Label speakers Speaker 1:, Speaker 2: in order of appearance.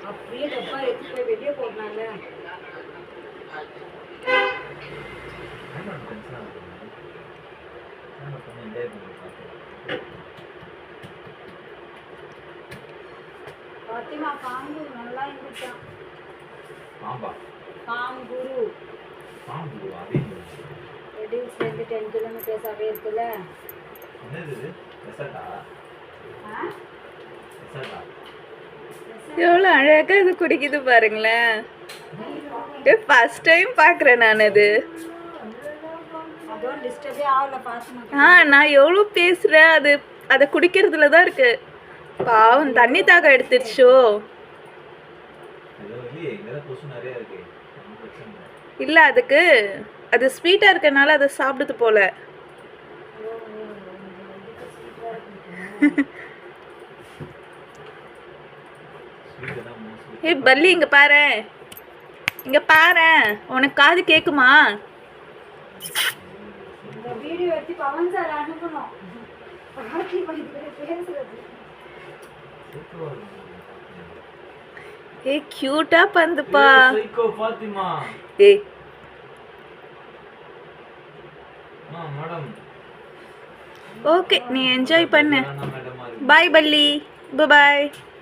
Speaker 1: அப்படியே டப்பா எடுத்து போய் வெளியே போடுறாங்க. பாத்திமா பாம்பு நல்லா இருந்துச்சான்.
Speaker 2: பாம்பா?
Speaker 1: பாம்புரு.
Speaker 2: பாம்பு அது
Speaker 1: ரெடியூஸ்லேருந்து 10 கிலோமீட்டர்ஸ் அவே இருக்குல்ல.
Speaker 2: என்னது இது? ரெசார்ட்டா? ரெசார்ட்டா?
Speaker 3: எவ்வளோ அழகாக இது குடிக்குது பாருங்களேன். ஃபர்ஸ்ட் டைம் பார்க்குறேன் நான் அது.
Speaker 1: அதுவும் டிஸ்டர்பே ஆகல பாத்து.
Speaker 3: நான் எவ்வளோ பேசுகிறேன், அது அதை குடிக்கிறதுல தான் இருக்கு. பாவம் தண்ணி தாகம் எடுத்துருச்சோ. இல்லை அதுக்கு அது ஸ்வீட்டாக இருக்கனால அதை சாப்பிடுது போல. ஏய் பல்லி இங்கே பாரு, இங்கே பாரு, உனக்கு காது கேட்குமா?
Speaker 1: இந்த வீடியோ எடுத்து பவன் சார் அனுப்பணும். பேசுறது
Speaker 3: ஏய் கியூட்டா பந்துப்பா.
Speaker 2: சைக்கோ பாத்திமா.
Speaker 3: ஏய்
Speaker 2: மேடம்
Speaker 3: ஓகே, நீ என்ஜாய் பண்ணு. பாய் பல்லி, பாய்.